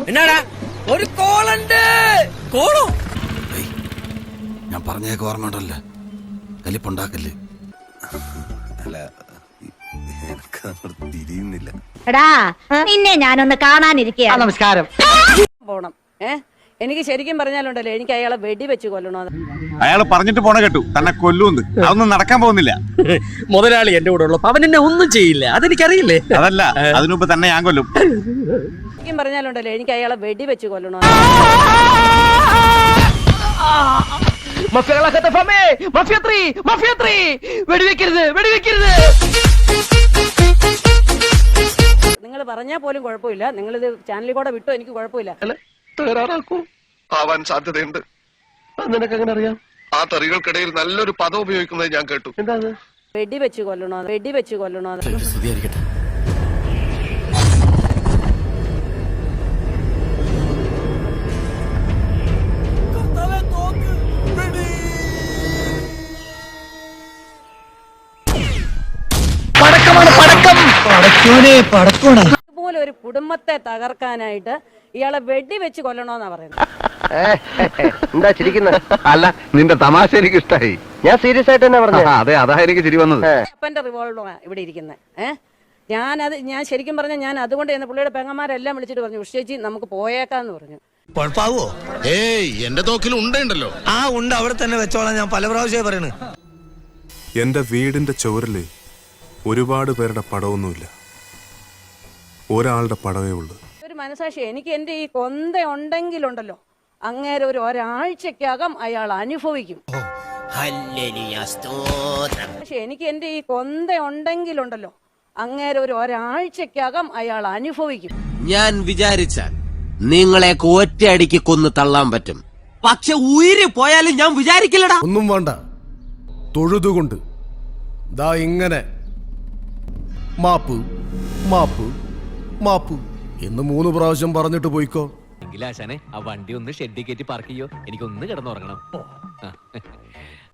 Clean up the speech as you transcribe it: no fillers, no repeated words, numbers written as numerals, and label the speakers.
Speaker 1: എന്നാടാ ഒരു കോളുണ്ട്. കോളോ?
Speaker 2: ഞാൻ പറഞ്ഞേക്ക് ഓർമ്മയുണ്ടല്ലോ, കലിപ്പുണ്ടാക്കല്ലേ. അല്ല, തിരിയുന്നില്ല.
Speaker 3: എടാ നിന്നെ ഞാനൊന്ന് കാണാനിരിക്കുക.
Speaker 4: നമസ്കാരം.
Speaker 5: പോണം. എനിക്ക് ശരിക്കും പറഞ്ഞാലുണ്ടല്ലോ, എനിക്ക് അയാളെ വെടിവെച്ച് കൊല്ലണമെന്ന്.
Speaker 6: അയാൾ പറഞ്ഞിട്ട് പോണ കേട്ടു, തന്നെ കൊല്ലൂന്ന്. അതൊന്നും നടക്കാൻ പോകുന്നില്ല.
Speaker 1: മുതലാളി എന്റെ കൂടെ ഉള്ളു, അവൻ എന്നെ ഒന്നും ചെയ്യില്ല, അതെനിക്കറിയില്ലേ.
Speaker 6: അതല്ല, അതിനുമുമ്പ് തന്നെ ഞാൻ കൊല്ലും.
Speaker 5: ശരിക്കും പറഞ്ഞാലുണ്ടല്ലോ, എനിക്ക് അയാളെ വെടിവെച്ച് കൊല്ലണമെന്ന്. നിങ്ങൾ പറഞ്ഞാൽ പോലും കുഴപ്പമില്ല, നിങ്ങളിത് ചാനലിൽ കൂടെ വിട്ടോ എനിക്ക് കുഴപ്പമില്ല.
Speaker 7: ആവാൻ സാധ്യതയുണ്ട്. നിനക്ക് എങ്ങനെ അറിയാം? ആ തെറികൾക്കിടയിൽ നല്ലൊരു പദം ഉപയോഗിക്കുന്നത് ഞാൻ കേട്ടു. എന്താ?
Speaker 5: വെടിവെച്ച് കൊല്ലണോ, വെടിവെച്ച് കൊല്ലണോ. ഇതുപോലെ ഒരു കുടുംബത്തെ തകർക്കാനായിട്ട് ഇയാളെ വെടിവെച്ച് കൊല്ലണോന്നാ പറയുന്നത്.
Speaker 4: എന്താ ചിരിക്കുന്നത്?
Speaker 7: അല്ല, നിന്റെ തമാശ എനിക്ക് ഇഷ്ടായി.
Speaker 4: ഞാൻ സീരിയസ് ആയിട്ട് തന്നെ പറഞ്ഞു.
Speaker 7: അതെ, അതാ എനിക്ക് ചിരി വന്നത്.
Speaker 5: അപ്പന്റെ റിവോൾവറാ ഇവിടെ ഇരിക്കുന്നത്. ഞാൻ ശരിക്കും പറഞ്ഞാൽ ഞാൻ അതുകൊണ്ട് തന്നെ പുള്ളിയുടെ പെങ്ങന്മാരെല്ലാം വിളിച്ചിട്ട് പറഞ്ഞു, ഉഷേച്ചി നമുക്ക് പോയേക്കാന്ന് പറഞ്ഞു.
Speaker 8: കുഴപ്പാവോ?
Speaker 9: ഏയ്, എന്റെ തോക്കിൽ ഉണ്ടല്ലോ.
Speaker 8: ആ ഉണ്ട്, അവിടെ തന്നെ വെച്ചോളാം. ഞാൻ പല പ്രാവശ്യമായി പറയണു.
Speaker 10: എന്റെ വീടിന്റെ ചുവരില് ഒരുപാട് പേരുടെ പടമൊന്നുമില്ല, ഒരാളുടെ പടവേ ഉള്ളു.
Speaker 5: ഒരു മനസാക്ഷി എനിക്ക് എന്റെ ഈ കൊന്ത ഉണ്ടെങ്കിലുണ്ടല്ലോ, അങ്ങേരെ ഒരാഴ്ചക്കകം അയാൾ അനുഭവിക്കും. പക്ഷെ എനിക്ക് എന്റെ ഈ കൊന്ത ഉണ്ടെങ്കിലുണ്ടല്ലോ, അങ്ങേരെ ഒരാഴ്ചക്കകം അയാൾ അനുഭവിക്കും.
Speaker 11: ഞാൻ വിചാരിച്ചാൽ നിങ്ങളെ ഒറ്റയടിക്ക് കൊന്ന് തള്ളാൻ പറ്റും. പക്ഷെ ഉയിര് പോയാലും ഞാൻ വിചാരിക്കില്ലടാ.
Speaker 8: ഒന്നും വേണ്ട, തൊഴുതുകൊണ്ട് ദാ ഇങ്ങനെ മാപ്പ് മാപ്പ് മാപ്പ് എന്ന് 3 പ്രാവശ്യം പറഞ്ഞിട്ട് പോയിക്കോ.
Speaker 1: എങ്കിലാശാനെ ആ വണ്ടി ഒന്ന് ഷെഡിൽ കയറ്റി പാർക്ക് ചെയ്യോ, എനിക്കൊന്ന് കിടന്നുറങ്ങണം.